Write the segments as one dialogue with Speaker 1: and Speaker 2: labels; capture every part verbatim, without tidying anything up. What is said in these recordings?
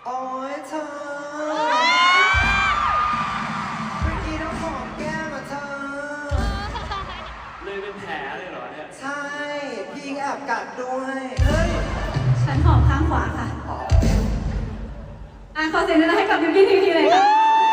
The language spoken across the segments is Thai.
Speaker 1: โอ้ยเธอเมื่อกี้ต้องหอมแก้มอ่ะเธอ
Speaker 2: เลยเป็นแผลเลยเหรอเนี่ย
Speaker 1: ใช่พี่แอบกัดด้วยเฮ้ย
Speaker 3: ฉันหอมข้างขวาค่ะอ่ะขอเสียงให้กับพี่พี่ทีทีเลยค่ะ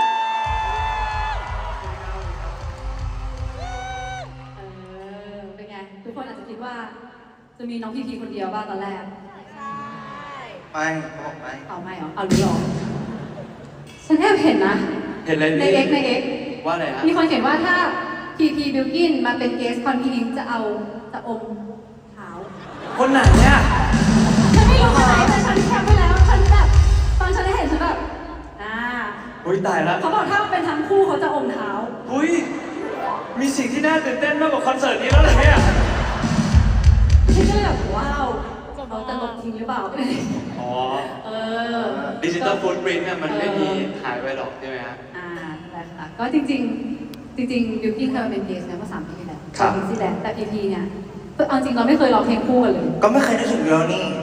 Speaker 3: เออเป็นไงทุกคนอาจจะคิดว่าจะมีน้องพีพีคนเดียวบ้างตอนแรก
Speaker 1: ไม่เขาบอกไม่
Speaker 3: เอาไม่เหรอเอาหรือหรอฉันแอบเห็นนะ
Speaker 2: เห็นอะไร
Speaker 3: ในเอ็กในเอ็ก
Speaker 2: ว่าอะไรฮะ
Speaker 3: มีคนเขียนว่าถ้าพีพีบิลกินมาเป็นเกสคอนพี่ลิงจะเอาจะอมเท้า
Speaker 2: คนไหนเนี่ย
Speaker 3: ฉันไม่รู้คนไหนแต่ฉันแคปไปแล้วฉันแบบตอนฉันได้เห็นฉันแบบอ่า
Speaker 2: อุ้ยตายแล้ว
Speaker 3: เขาบอกถ้าเป็นทั้งคู่เขาจะอมเท้า
Speaker 2: อุ้ยมีสิ่งที่น่าตื่นเต้นมากกว่าคอนเสิร์ตนี้แล้วเหรอเนี่ย
Speaker 3: ฉันก็เลยแบบว้าวเขาจะลบทิ้งหรือเปล่า
Speaker 2: อ๋อ
Speaker 3: เออ
Speaker 2: ดิจิตอลฟูดปรินท์เนี่ยมันไม่มีหายไปหรอกใช่ไหมฮะ
Speaker 3: อ่าใช่ค่ะก็จริงๆจริงๆบิวกิ้นเคยมาเป็นเกสเนี่ยเมื่อสามปีที่แล้ว
Speaker 2: ครับ
Speaker 3: ปีที่แล้วแต่พีพีเนี่ยเอาจริงเราไม่เคยร้องเพลงคู่กันเลย
Speaker 1: ก็ไม่เคยได้ถึงเรื่องนี้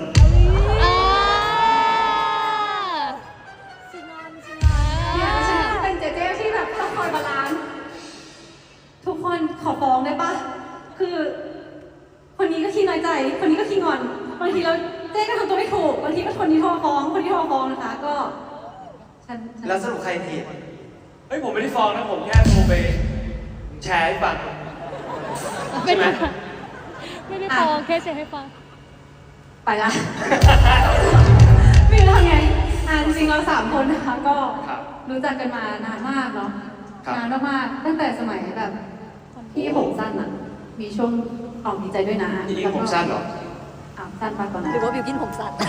Speaker 3: เนี่ยฉันเป็นเจเจที่แบบต้องคอยบาลานซ์ทุกคนขอฟ้องได้ปะคือคนนี้ก็ขี้น้อยใจคนนี้ก็ขี้งอนบางทีเราเจ๊ก็ทำตัวไม่ถูกบางทีก็คนนี้โทรฟ้องคนที่โทรฟ้องนะคะก็ฉัน
Speaker 1: แล้วสรุปใครผิด
Speaker 2: เฮ้ยผมไม่ได้ฟ้องนะผมแค่โทรไปแชร์ให้ฟังใช่ไหม
Speaker 4: ไม่ได้ฟ้องแค่แชร์ให้ฟัง
Speaker 3: ไปละไม่รู้ทำไงอ่าจริงๆเราสามคนนะคะก็รู้จักกันมานานมากเนาะนานมากๆตั้งแต่สมัยแบบพี่ผมสั้นอ่ะมีช่วงออกดีใจด้วยนะ
Speaker 2: พี่ผมสั้นเหรอ
Speaker 3: อ้าวสั้นมากตอนนั้น
Speaker 4: หรือว่าบิวกินผมสั้น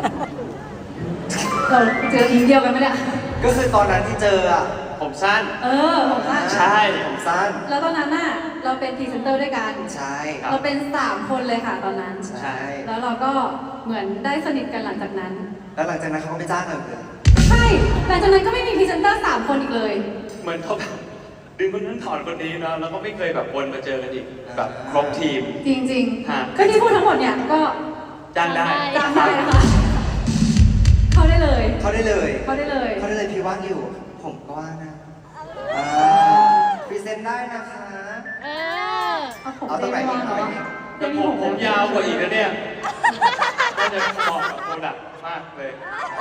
Speaker 3: เราเจออิงเดียวกันไหมเนี่ย
Speaker 1: ก็คือตอนนั้นที่เจออ่ะ
Speaker 2: ผมสั้น
Speaker 3: เออผมสั้น
Speaker 2: ใช่
Speaker 1: ผมสั้น
Speaker 3: แล้วตอนนั้นน่ะเราเป็นพรีเซนเตอร์ด้วยกัน
Speaker 1: ใช่
Speaker 3: เราเป็นสามคนเลยค่ะตอนนั้น
Speaker 1: ใช่
Speaker 3: แล้วเราก็เหมือนได้สนิทกันหลังจากนั้น
Speaker 1: แล้วหลังจากนั้นเขาก็ไม่จ้างเราเลย
Speaker 3: ใช่หลังจากนั้นก็ไม่มีพรีเซนเตอร์สามคนอีกเลย
Speaker 2: เหมือนเขาแบบดึงคนนั้นถอนคนนี้นะแล้วก็ไม่เคยแบบวนมาเจอกันอีกแบบครบทีม
Speaker 3: จริงๆก็ที่พูดทั้งหมดเนี่ยก็
Speaker 2: จ้างได้
Speaker 3: จ้างได้นะคะเขาได้เลย
Speaker 1: เขาได้เลย
Speaker 3: เขาได้เลย
Speaker 1: เขาได้เลยพี่ว่างอยู่ผมก็ว่างนะพรีเซนต์ได้นะคะ
Speaker 4: เออ
Speaker 1: เอาตรงไหนอีกเอาไหน
Speaker 2: แต่ผมผมยาวกว่าอีกนะเนี่ยก็จะเหมาะกับโปรดักต์มากเลย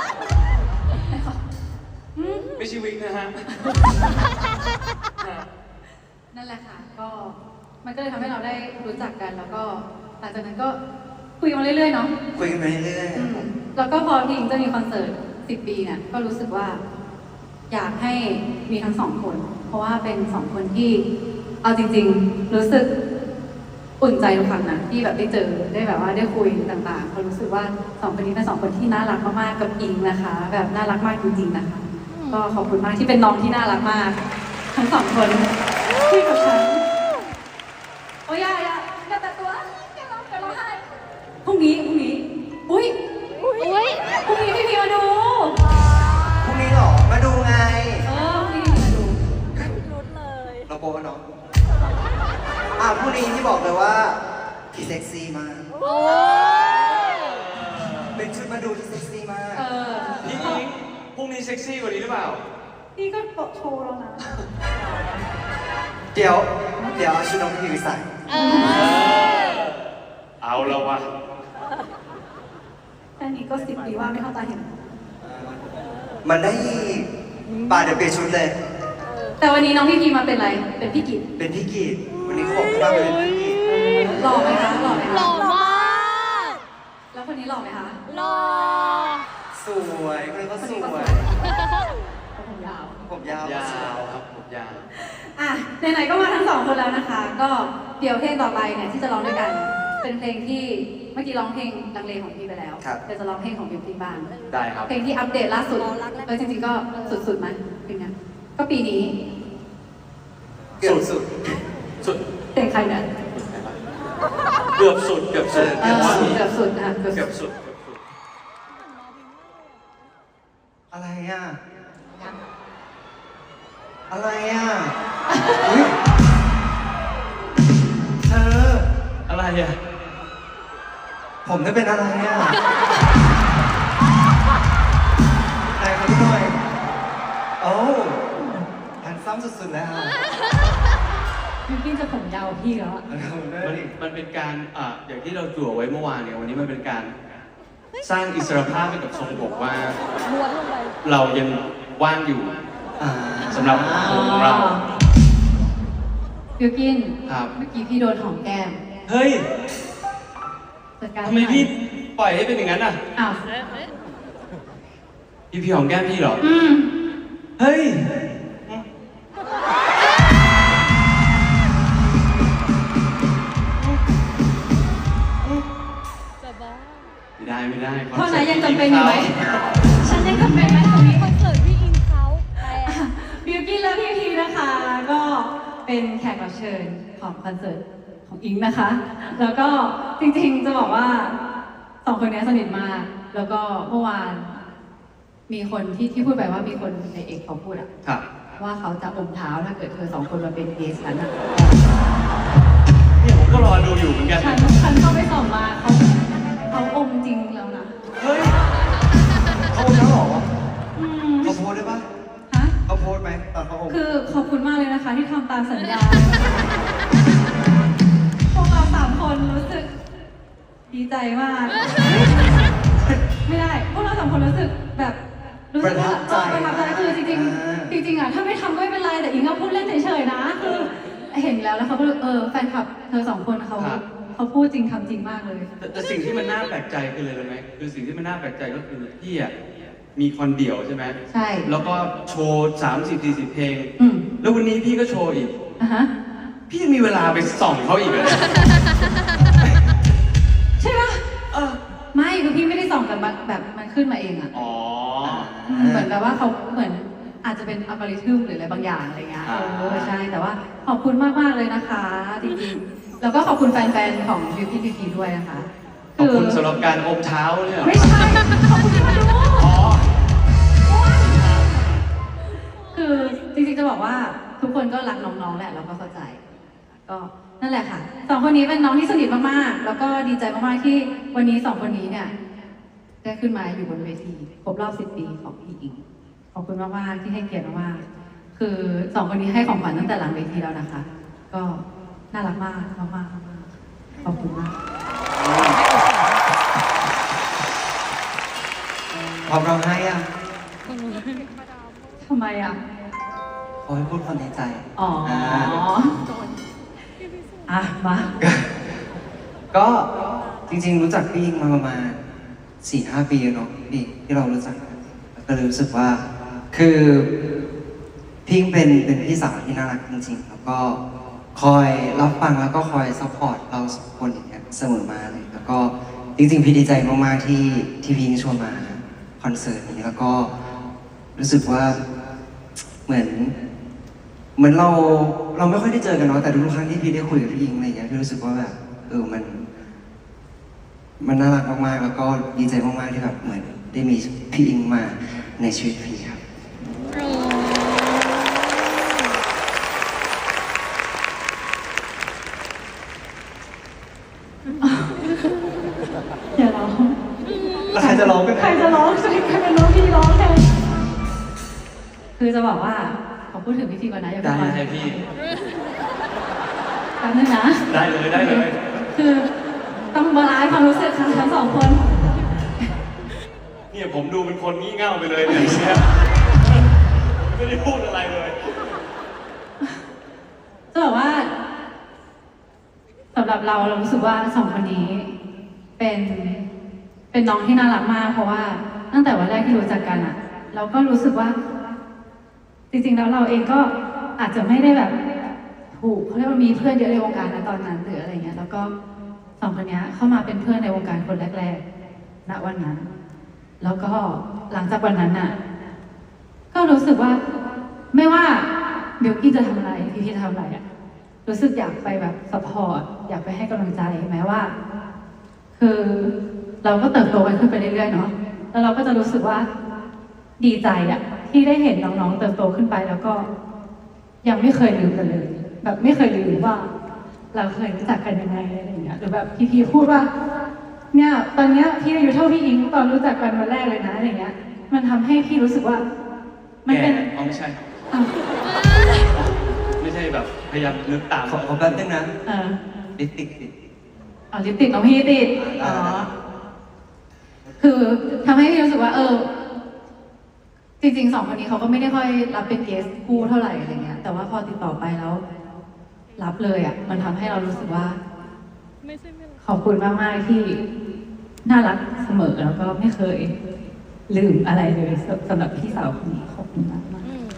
Speaker 2: ไม่ใช่วิกนะฮะ
Speaker 3: นั่นแหละค่ะก็มันก็เลยทำให้เราได้รู้จักกันแล้วก็หลังจากนั้นก็คุยกันมาเรื่อยๆเนาะ
Speaker 1: คุยกันมาเรื่อย
Speaker 3: ๆแล้วก็พอพี่อิงจะมีคอนเสิร์ตสิบปีเนี่ยก็รู้สึกว่าอยากให้มีทั้งสองคนเพราะว่าเป็นสองคนที่เอาจริงๆรู้สึกอุ่นใจทุกครั้งนะที่แบบได้เจอได้แบบว่าได้คุยต่างๆเพราะรู้สึกว่าสองคนนี้เป็นสองคนที่น่ารักมากๆกับอิงนะคะแบบน่ารักมากจริงๆนะคะก็ขอบคุณมากที่เป็นน้องที่น่ารักมากทั้งสองคนที่กับฉันโอ้ยอย่าอย่าอย่าแต่ตัวอย่าร้องอย่าร้องไห้พรุ่งนี้พรุ่งนี้อุ้ย
Speaker 4: อุ้ย
Speaker 3: พรุ่งนี้พี่พีมาดู
Speaker 1: พรุ่งนี้หรอมาดูไง
Speaker 3: เออพรุ่งนี้มาดู
Speaker 4: รุ้นเลย
Speaker 1: เราโปกันเนาะอ่ะพรุ่งนี้ที่บอกเลยว่าพี่เซ็กซี่มาก
Speaker 4: โอ้
Speaker 1: เป็นชุดมาดูที่เซ็กซี่มาก
Speaker 3: เออ
Speaker 2: พี่อิงพรุ่งนี้เซ็กซี่กว่านี้หรือเปล่า
Speaker 3: พี่ก็โปะโชว์แล้วนะ
Speaker 1: เดี๋ยวเดี๋ยวเอาชุดน้องพี่ไปใส่
Speaker 2: เอาแล้ววะ
Speaker 3: แค่นี้ก็สิบปีว่าไม่เข้าตาเห็น
Speaker 1: มันได้ป่าเดี๋ยวเปลี่ยนชุดเลย
Speaker 3: แต่วันนี้น้องพี่พีมาเป็นอะไรเป็นพี่กิต
Speaker 1: เป็นพี่กิตวันนี้เขาบอกว่าเป็นพี่กิต
Speaker 3: หล่อไหมคะหล่อไหมคะ
Speaker 4: หล่อมาก
Speaker 3: แล้วคนนี้หล่อไหมคะ
Speaker 4: หล่อ
Speaker 1: สวยคนนี้ก็สวย
Speaker 3: ผมยาว
Speaker 1: ผมยาวย
Speaker 2: าวครับผมยาว
Speaker 3: อ่ะไหนๆก็มาทั้งสองคนแล้วนะคะก็เดี๋ยวเพลงต่อไปเนี่ยที่จะร้องด้วยกันเป็นเพลงที่เมื่อกี้ร้องเพลงดังเลของพี่ไปแล้วเดี๋ยวจะร้องเพลงของบิวตี้บ้าง
Speaker 2: ได้ครับ
Speaker 3: เพลงที่อัปเดตล่าสุดเออจริงๆก็สุดๆไหมเพลงนี้ก็ปีนี้
Speaker 1: เกือบสุด
Speaker 2: สุด
Speaker 3: เพลงใครเนี่ย
Speaker 2: เกือบสุดเกือบสุด
Speaker 3: เกือบสุดนะ
Speaker 2: เกือบสุด
Speaker 1: อะไรอ่ะอะไรอ่ะเธอ
Speaker 2: อะไรอ่ะ
Speaker 1: ผมได้เป็นอะไรอ่ะสุดๆแล้ว
Speaker 3: บิวกิ้นจะผมยาวกว่าพี่แล้วอะ
Speaker 2: มันมันเป็นการอ่าอย่างที่เราจั่วไว้เมื่อวานเนี่ยวันนี้มันเป็นการสร้างอิสรภาพให้กับทรงผมว่า
Speaker 4: ม้วนลงไป
Speaker 2: เรายังว่างอยู่
Speaker 1: อ่า
Speaker 2: สำหรับของเรา
Speaker 3: บิวกิ้น
Speaker 2: ครับ
Speaker 3: เมื่อกี้พี่โดนหอมแก้ม
Speaker 2: เฮ้ย
Speaker 3: จัดการ
Speaker 2: ทำไม
Speaker 3: ให้หน่อย
Speaker 2: พี่ปล่อยให้เป็นอย่างนั้นอ่ะ
Speaker 3: อ้าว
Speaker 2: พี่พี่หอมแก้มพี่เหรอ
Speaker 3: อืม
Speaker 2: เฮ้ย
Speaker 4: จะบ้า
Speaker 2: ไม่ได้ไม่ได้
Speaker 3: เพราะไหนยังจำเป็นอยู่ไหมฉันยังจำเป็นไหมตรงนี้
Speaker 4: คอนเสิร์ตพี่อิงเขาแต่
Speaker 3: บิวกิ้นและพี่พีนะคะ ก็เป็นแขกรับเชิญของคอนเสิร์ตของอิงนะคะ แล้วก็จริงๆจะบอกว่าสองคนนี้สนิทมาก แล้วก็เมื่อวานมีคนที่ที่พูดไปว่ามีคนในเอกเขาพูดอะ
Speaker 2: ครับ
Speaker 3: ว่าเขาจะอมเท้าถ้าเกิดเธอสองคนมาเป็นเกสฉันอะ
Speaker 2: เนี่ยผมก็รอดูอยู่เหมือนกัน
Speaker 3: ฉันฉันเข้าไปส่องมาเขาเขาอมจริงแล้วนะ
Speaker 1: เฮ้ยเขาแล้วเหรอ
Speaker 3: อืม
Speaker 1: เขาโพสได้ปะ
Speaker 3: ฮะ
Speaker 1: เขาโพสไหมตอนเขาอม
Speaker 3: คือขอบคุณมากเลยนะคะที่ทำตามสัญญา พวกเราสามคนรู้สึกดีใจมาก ไม่ได้ พวกเราสามคนรู้สึกแบบรู้สึกว่าเออประทับใจคือจริงๆจริงๆอ่ะถ้าไม่ทำก็ไม่เป็นไรแต่อิงก็พูดเล่นเฉยๆนะคือเห็นแล้วแล้วเขาก็เออแฟนคลับเธอสองคนเขาเขาพูดจริงทำจริงมากเลย
Speaker 2: แต่แต่สิ่งที่มันน่าแปลกใจคืออะไรรู้ไหมคือสิ่งที่มันน่าแปลกใจก็คือพี่อ่ะมีคอนเดี่ยวใช่ไหม
Speaker 3: ใช่
Speaker 2: แล้วก็โชว์สามสิบสี่สิบเพลง
Speaker 3: อืม
Speaker 2: แล้ววันนี้พี่ก็โชว์อีก
Speaker 3: อ่ะฮะ
Speaker 2: พี่ยังมีเวลาไปส่องเขาอีกเหรอ
Speaker 3: ใช่ปะ
Speaker 2: เออ
Speaker 3: ไม่คือพี่ไม่ได้ส่องกันมาแบบมันขึ้นมาเองอ่ะ
Speaker 2: อ๋อ
Speaker 3: เหมือนแบบว่าเขาเหมือนอาจจะเป็นอัลกอริทึมหรืออะไรบางอย่างอะไรเงี้ย
Speaker 2: อ่า
Speaker 3: เออใช่แต่ว่าขอบคุณมากมากๆเลยนะคะจริงๆแล้วก็ขอบคุณแฟนๆของพีพีพีพีด้วยนะคะ
Speaker 2: ขอบคุณสำหรับการอมเท้าเนี่ย
Speaker 3: ไม่ใช่ขอบคุณที่มาดู
Speaker 2: อ๋อ
Speaker 3: คือจริงๆจะบอกว่าทุกคนก็รักน้องๆแหละเราก็เข้าใจ ก็นั่นแหละค่ะสองคนนี้เป็นน้องที่สนิทมากๆแล้วก็ดีใจมากๆที่วันนี้สองคนนี้เนี่ยได้ขึ้นมาอยู่บนเวทีครบรอบสิบปีของพี่อิง ขอบคุณมากๆที่ให้เกียรติมากๆคือสองคนนี้ให้ของขวัญตั้งแต่หลังเวทีแล้วนะคะ ก็น่ารักมากมากๆมากๆขอบคุณมาก
Speaker 1: พร้อมร้องไห้ยัง
Speaker 3: ทำไมอ่ะ
Speaker 1: ขอให้พูดความในใจ
Speaker 3: อ๋อ
Speaker 1: า
Speaker 3: อ่ะมา
Speaker 1: ก็จริงๆรู้จักพี่อิงมาประมาณสี่ห้าปีแล้วเนาะพี่ที่เรารู้จักกันแล้วก็เลยรู้สึกว่า คือพี่อิงเป็นเป็นพี่สาวที่น่ารักจริงๆ แล้วก็คอยรับฟังแล้วก็คอยซัพพอร์ตเราสองคนอย่างเงี้ยเสมอมาเลย แล้วก็จริงๆพี่ดีใจมากๆที่ที่พี่อิงชวนมาคอนเสิร์ตนี้แล้วก็รู้สึกว่าเหมือน เหมือนเราเราไม่ค่อยได้เจอกันเนาะแต่ทุกครั้งที่พี่ได้คุยกับพี่อิงอะไรอย่างเงี้ยพี่รู้สึกว่าแบบเออมัน มันน่ารักมากๆแล้วก็ดีใจมากๆที่แบบเหมือนได้มีพี่อิงมาในชีวิตพี่ครับ
Speaker 3: อย่าร้อง
Speaker 1: แล้วใครจะร้องกัน
Speaker 3: ใครจะร้องจะใครเป็นร้องพี่ร้องแทนคือจะบอกว่าขอพูดถึงพิธีก่อนนะอย่า
Speaker 2: ได้
Speaker 3: เพิ่ง
Speaker 2: เลยพี่
Speaker 3: แป๊บนึงนะ
Speaker 2: ได้เลยได้เลย
Speaker 3: คือต้องบาลานซ์ความรู้สึกค่ะทั้งสองคน
Speaker 2: เนี่ยผมดูเป็นคนงี่เง่าไปเลยเนี่ยเนี่ยไม่ได้พูดอะไรเลย
Speaker 3: จะบอกว่าสำหรับเราเรารู้สึกว่าสองคนนี้เป็นเป็นน้องที่น่ารักมาก เพราะว่าตั้งแต่วันแรกที่รู้จักกันอะเราก็รู้สึกว่า จริงๆแล้วเราเองก็อาจจะไม่ได้แบบถูกเขาเรียกว่ามีเพื่อนเยอะในวงการนะตอนนั้นหรืออะไรเงี้ยแล้วก็สองคนนี้เข้ามาเป็นเพื่อนในวงการคนแรกๆณวันนั้น แล้วก็หลังจากวันนั้นน่ะ ก็รู้สึกว่าไม่ว่าเบลกี้จะทำอะไรพี่พี่จะทำอะไรอะรู้สึกอยากไปแบบสปอร์ตอยากไปให้กำลังใจแม้ว่า คือเราก็เติบโตกันขึ้นไปเรื่อยๆเนาะแล้วเราก็จะรู้สึกว่าดีใจอะที่ได้เห็นน้องๆเติบโตขึ้นไปแล้วก็ ยังไม่เคยลืมกันเลย แบบไม่เคยลืมว่า เราเคยรู้จักกันยังไงอะไรอย่างเงี้ยหรือแบบพี่พีพูดว่า เนี่ยตอนเนี้ยพี่อายุเท่าพี่อิงตอนรู้จักกันวันแรกเลยนะอะไรเงี้ย มันทำให้พี่รู้สึกว่า มันเป็น
Speaker 2: แก่อ๋อไม่ใช่
Speaker 3: อ้าว
Speaker 2: ไม่ใช่แบบพยายามนึกตาม
Speaker 1: ขอขอแป๊บนึงนะ
Speaker 3: เออ
Speaker 1: ลิปติกติด
Speaker 3: เอาลิปติกน้องพี่ติด
Speaker 1: อ่า
Speaker 3: อ๋อ คือทำให้พี่รู้สึกว่า เออ จริงๆสองคนนี้เขาก็ไม่ได้ค่อยรับเป็นเกสคู่เท่าไหร่อะไรเงี้ย แต่ว่าพอติดต่อไปแล้ว รับเลยอ่ะ มันทำให้เรารู้สึกว่า
Speaker 4: ไม่ใช่ไม่รัก
Speaker 3: ขอบคุณมาก ๆ ที่น่ารักเสมอแล้วก็ไม่เคยลืมอะไรเลยสสำหรับพี่สาวคนนี้ขอบคุณมากมาก
Speaker 4: อืม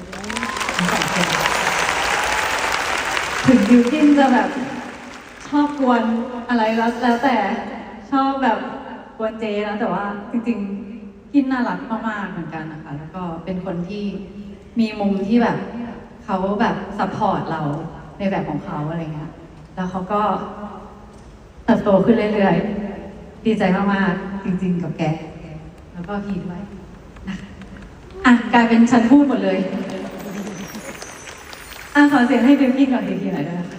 Speaker 3: ๆถึงบิวกินจะแบบชอบกวนอะไรแล้วแล้วแต่ชอบแบบกวนเจนะแต่ว่าจริงๆกินน่ารักมาก ๆ เหมือนกันนะคะ แล้วก็เป็นคนที่มีมุมที่แบบเขาแบบซัพพอร์ตเราในแบบของเขาอะไรเงี้ยแล้วเขาก็ เติบโตขึ้นเรื่อยๆ ดีใจมากๆ จริงๆ กับแก แล้วก็พีด้วยนะคะอ่ะ กลายเป็นฉันพูดหมดเลย อ่ะ ขอเสียงให้บิวกิ้นก่อนทีๆหน่อยด้วยนะคะ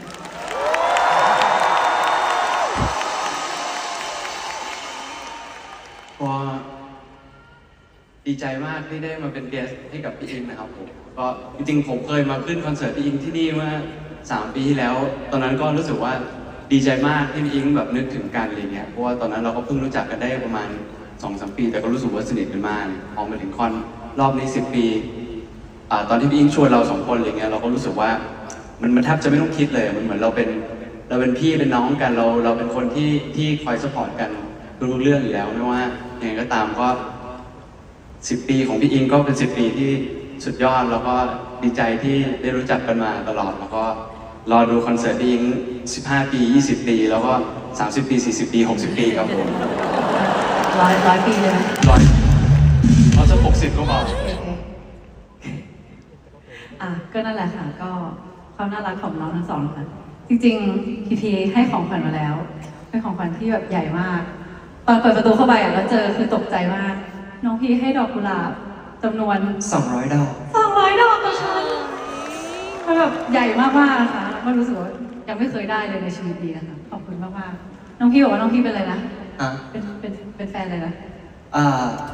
Speaker 2: ก็ดีใจมากที่ได้มาเป็นเกสให้กับพี่อิงนะครับผมก็จริงๆผมเคยมาขึ้นคอนเสิร์ตพี่อิงที่นี่เมื่อสามปีที่แล้ว ตอนนั้นก็รู้สึกว่าดีใจมากที่พี่อิงแบบนึกถึงกันอะไรเงี้ยเพราะว่าตอนนั้นเราก็เพิ่งรู้จักกันได้ประมาณสองสามปี แต่ก็รู้สึกว่าสนิทกันมากพอมาถึงคอนรอบนี้สิบปีอ่าตอนที่พี่อิงชวนเราสองคนอะไรเงี้ยเราก็รู้สึกว่ามันมันแทบจะไม่ต้องคิดเลยมันเหมือนเราเป็นเราเป็นพี่เป็นน้องกันเราเราเป็นคนที่ที่คอยสปอร์ตกันทุกเรื่องอยู่แล้วไม่ว่ายังไงก็ตามก็สิบปีของพี่อิงก็เป็นสิบปีที่สุดยอดแล้วก็ดีใจที่ได้รู้จักกันมาตลอดแล้วก็รอดูคอนเสิร์ตพี่อิงสิบห้าปียี่สิบปีแล้วก็สามสิบปีสี่สิบปีหกสิบปีครับผม
Speaker 3: ร้อยร้อยปีเลยไหม
Speaker 2: ร้อยเอาสักหกสิบก็พอ
Speaker 3: โอเคอ่ะ ก็นั่นแหละค่ะ ก็ความน่ารักของน้องทั้งสองค่ะ จริงๆ พีพีให้ของขวัญมาแล้ว เป็นของขวัญที่แบบใหญ่มาก ตอนเปิดประตูเข้าไปอ่ะแล้วเจอคือตกใจมาก น้องพีให้ดอกกุหลาบจำนวน
Speaker 1: สองร้อยดอก
Speaker 3: สองร้อยดอกกับฉันมันแบบใหญ่มากๆนะคะแล้วก็รู้สึกว่ายังไม่เคยได้เลยในชีวิตดีนะคะ ขอบคุณมากๆ น้องพี่บอกว่าน้องพี่เป็นอะไรนะ
Speaker 1: อ่ะ
Speaker 3: เป็นเป็นเป็นแฟนอะไรนะ
Speaker 1: อ่า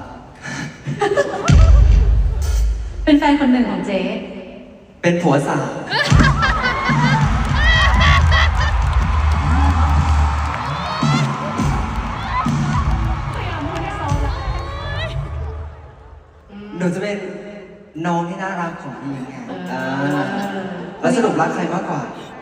Speaker 3: เป็นแฟนคนหนึ่งของเจ๊
Speaker 1: เป็นผัวสาว หนูจะเป็นน้องที่น่ารักของพี่ไงอ่าแล้วสรุปรักใครมากกว่า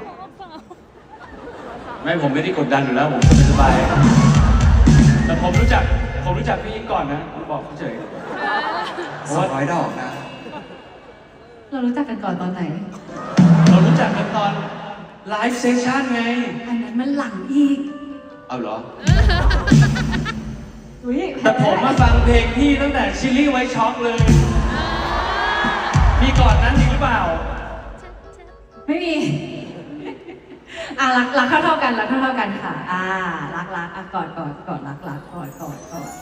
Speaker 2: ไม่ผมไม่ได้กดดันอยู่แล้วผมสบายๆแต่ผมรู้จักผมรู้จักพี่อิงก่อนนะผมบอกเฉย
Speaker 1: สองร้อยดอกนะ
Speaker 3: เรารู้จักกันก่อนตอนไหน
Speaker 2: เรารู้จักกันตอนไลฟ์เซสชั่นไง
Speaker 3: อันนั้นมันหลังอีก
Speaker 2: เอาเหรอ
Speaker 3: อุ๊ย
Speaker 2: แต่ผมมาฟังเพลงพี่ตั้งแต่ชิลลี่ไวท์ช็อกเลย มีก่อนนั้นจริงหรือเปล่า
Speaker 3: ไม่มี อ่ะรักรักเท่าเท่าๆกันรักเท่าเท่าๆกันค่ะ อ่า รักรักอ่ะกอดกอดกอดรักรักกอดกอดกอด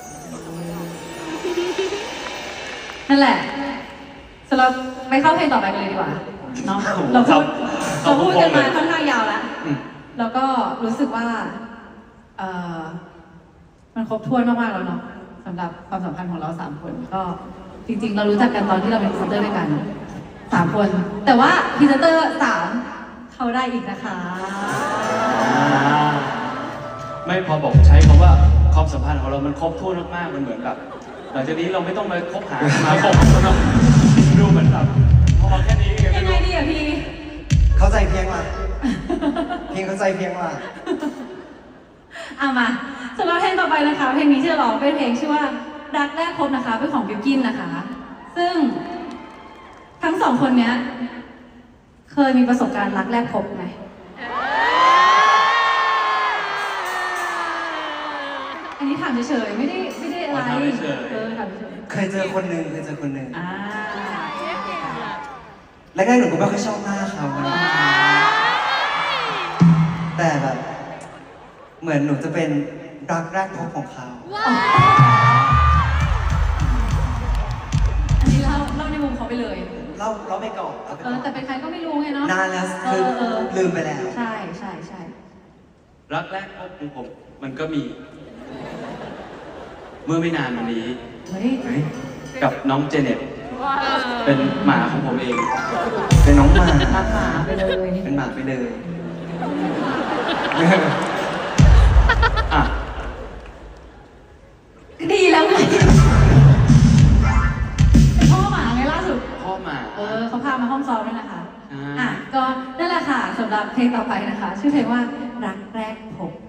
Speaker 3: นั่นแหละสำหรับไปเข้าเพลงต่อไปกันเลยดีกว่าเนาะเราพูด
Speaker 2: ครั
Speaker 3: เรา
Speaker 2: บ
Speaker 3: พูดกันมา
Speaker 2: ครับ
Speaker 3: ค่อนข้างยาวแล้ว
Speaker 1: อืม
Speaker 3: แล้วก็รู้สึกว่าเออมันครบถ้วนมากๆแล้วเนาะสำหรับความสัมพันธ์ของเราสามคน ก็จริงๆ เรารู้จักกันตอนที่เราเป็นพรีเซนเตอร์ด้วยกันสามคน แต่ว่าพรีเซนเตอร์สามเข้าได้อีกนะคะ
Speaker 2: ไม่พอบอกใช้คำว่าความสัมพันธ์ของเรามันครบถ้วนมากๆมันเหมือนแบบหลังจากนี้เราไม่ต้องมาคบหาสมาคมกันเนาะดูเหมือนแบบพอแค่นี้
Speaker 3: ยังไงดีอะพี่
Speaker 1: เข้าใจเพียงมาเพียงเข้าใจเพียงมา
Speaker 3: เอามาสำหรับเพลงต่อไปนะคะ เพลงนี้ที่จะร้องเป็นเพลงชื่อว่ารักแรกพบนะคะเป็นของบิวกินนะคะ ซึ่งทั้งสองคนเนี้ย เคยมีประสบการณ์รักแรกพบไหมอันนี้ถามเฉยๆไม่ได้ไม่ได้อะไรเออถามเฉย
Speaker 1: เคยเจอคนหนึ่งเคยเจอคนหนึ่ง
Speaker 3: ๆอ่า
Speaker 1: แรกๆหนูก็ไม่ค่อยชอบหน้าเขานะแต่แบบ เหมือนหนูจะเป็นรักแรกพบของเขา
Speaker 3: อันนี้เล่าเล่าในมุมเขาไปเลย
Speaker 1: เราเราไปก่อนเราไป
Speaker 3: เอ
Speaker 1: ก่อ
Speaker 3: อน แต่เป็นใครก็ไม่รู้ไงเนาะ
Speaker 1: นานแล้ว
Speaker 3: เอ
Speaker 1: คือ
Speaker 3: อเออ
Speaker 1: ลืมไปแล้ว
Speaker 3: ใช่ใช่ใช่
Speaker 2: รักแรกพบของผมมันก็มี เมื่อไม่นานมานี้
Speaker 3: เฮ้ย
Speaker 1: เฮ้ย
Speaker 2: กับน้องเจเน็ต
Speaker 3: เ
Speaker 2: เป็นหมาของผมเอง
Speaker 1: เป็นน้องหมา
Speaker 3: รักหมาไปเลย
Speaker 1: เป็นหมาไปเลย
Speaker 2: อ่ะ
Speaker 3: ดีแล้วไงเป็นพ่อหมาไงล่าสุด
Speaker 2: พ่อหมา
Speaker 3: เออเขาพามาห้องซ้อมด้วยนะคะ
Speaker 2: ใช่
Speaker 3: อ่ะก็นั่นแหละค่ะสำหรับเพลงต่อไปนะคะ ชื่อเพลงว่ารักแรกพบ